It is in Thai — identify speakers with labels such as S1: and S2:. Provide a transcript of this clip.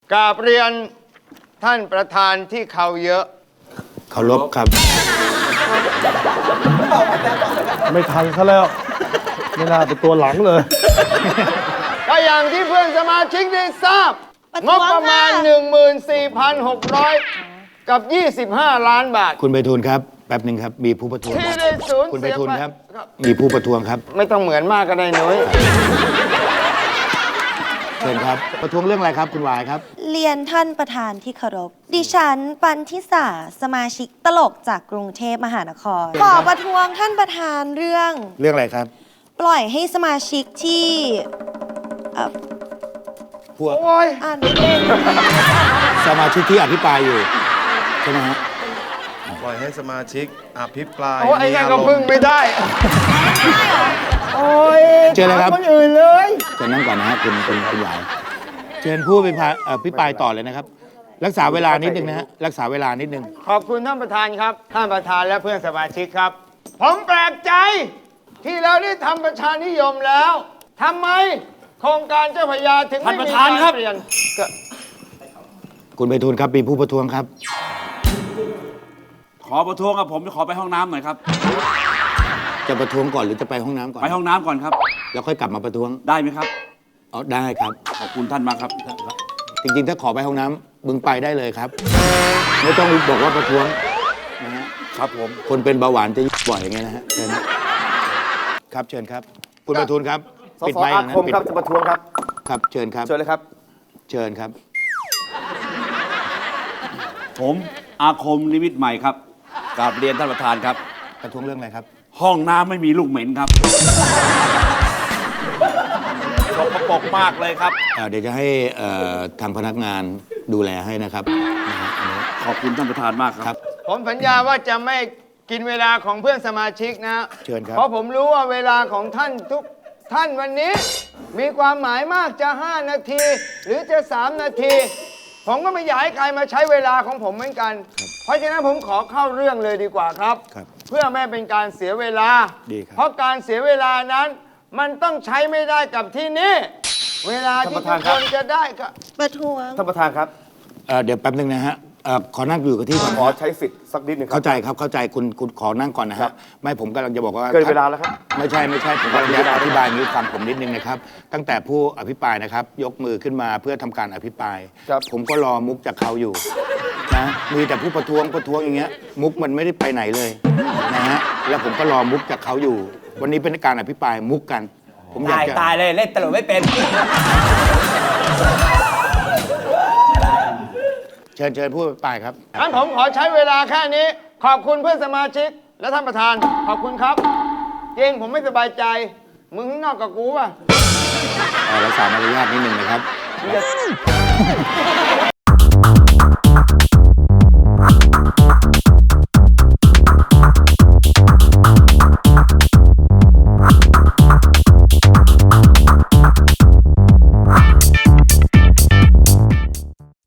S1: กราบเรียนท่านประธานที่เขาเยอะ
S2: เคารพครับ
S3: ไม่ทันซะแล้วไม่น่าเป็นตัวหลังเลย
S1: ก็อย่างที่เพื่อนสมาชิกได้ทราบงบประมาณ 14,600 กับ 25 ล้านบาท
S2: คุณไพฑูรย์ครับแป๊บหนึ่งครับมีผู้ประท้วง
S1: ที่ได้สูญ
S2: คุณไพ
S1: เสีย
S2: ฑูรย์
S1: ไป
S2: ครับมีผู้ประท้วงครับ
S1: ไม่ต้องเหมือนมากก็ได้นุ้ย
S2: เชิญครับประท้วงเรื่องอะไรครับคุณหวายครับ
S4: เรียนท่านประธานที่เคารพดิฉันปันทิสาสมาชิกตลกจากกรุงเทพมหานครขอประท้วงท่านประธานเรื่อง
S2: อะไรครับ
S4: ปล่อยให้สมาชิกที่
S2: พวก
S4: อ่านไม่เป็น
S2: สมาชิกที่อภิปรายอยู่ใช่ไหมฮะ
S3: ปล่อยให้สมาชิกอภิปราย
S1: ไอ้นั่นก็พึ่งไม่ได้โอ้ย
S2: เชิญเลยครับ
S1: คนอื่นเลย
S2: เชิญนั่งก่อนนะฮะคุณหวายเชิญผู้อภิปรายต่อเลยนะครับรักษาเวลานิดนึงนะฮะรักษาเวลานิดนึง
S1: ขอบคุณท่านประธานครับท่านประธานและเพื่อนสมาชิกครับผมแปลกใจที่เราได้ทำประชานิยมแล้วทำไมโครงการเจ้าพระยาถึงไม่มีการเปลี่ยน
S2: คุณไพฑูรย์ครับมีผู้ประท้วงครับ
S5: ขอประท้วงครับผมจะขอไปห้องน้ำหน่อยครับ
S2: จะประท้วงก่อนหรือจะไปห้องน้ำก่อน
S5: ไปห้องน้ำก่อนครับ
S2: แล้วค่อยกลับมาประท้วง
S5: ได้ไหมครับ
S2: อ๋อได้ครับ
S5: ขอบคุณท่านมากครับ
S2: จริงๆถ้าขอไปห้องน้ำมึงไปได้เลยครับไม่ต้องบอกว่าประท้วงนะฮะ
S5: ครับผม
S2: คนเป็นเบาหวานจะบ่อยอย่างเงี้ยนะฮะเชิญครับเชิญครับคุณประทุนครับ
S3: ปิดไมค์นะผมครับจะประท้วงครับ
S2: ครับเชิญครับ
S3: เชิญเลยครับ
S2: เชิญครับ
S5: ผมอาคมนิมิตใหม่ครับกราบเรียนท่านประธานครับ
S2: ประท้วงเรื่องอะไรครับ
S5: ห้องน้ำไม่มีลูกเหม็นครับสกปรกมากเลยครับ
S2: เดี๋ยวจะให้ทางพนักงานดูแลให้นะครับ
S5: ขอบคุณท่านประธานมากครับ
S1: ผมสัญญาว่าจะไม่กินเวลาของเพื่อนสมาชิกนะ
S2: เชิญครับ
S1: เพราะผมรู้ว่าเวลาของท่านทุกท่านวันนี้มีความหมายมากจะ5 นาทีหรือจะ3 นาทีผมก็ไม่อยากให้ใครมาใช้เวลาของผมเหมือนกันเพราะฉะนั้นผมขอเข้าเรื่องเลยดีกว่าครับเพื่อไม่เป็นการเสียเวลาเพราะการเสียเวลานั้นมันต้องใช้ไม่ได้กับที่นี่เวลาที่ทุกคนจะได้ก็
S4: ประท้วง
S3: ท่านประธานครับ
S2: เดี๋ยวแป๊บนึงนะฮะขอนั่งอยู่กับที่ก่อน
S3: ขอใช้สิทธิ์สักนิดนึง
S2: เข้าใจครับเข้าใจคุณขอนั่งก่อนนะฮะไม่ผมกำลังจะบอกว่า
S3: เกินเวลาแล้วครับ
S2: ไม่ใช่ผมกำลังจะอธิบายนี้ฟังผมนิดนึงนะครับตั้งแต่ผู้อภิปรายนะครับยกมือขึ้นมาเพื่อทำการอภิปรายผมก็รอมุกจากเขาอยู่นะมีแต่ผู้ประท้วงอย่างเงี้ยมุกมันไม่ได้ไปไหนเลยนะฮะแล้วผมก็รอมุกจากเขาอยู่วันนี้เป็นการอภิปรายมุกกันผมอยากจะ
S6: ตายเลยเล่นตลกไม่เป็น
S2: เชิญผู้อภิปรายครับ
S1: งั้นผมขอใช้เวลาแค่นี้ขอบคุณเพื่อนสมาชิกและท่านประธานขอบคุณครับจริงผมไม่สบายใจมึงข้างนอกกับกูป่ะ
S2: รักษามารยาทนิดนึงนะครับ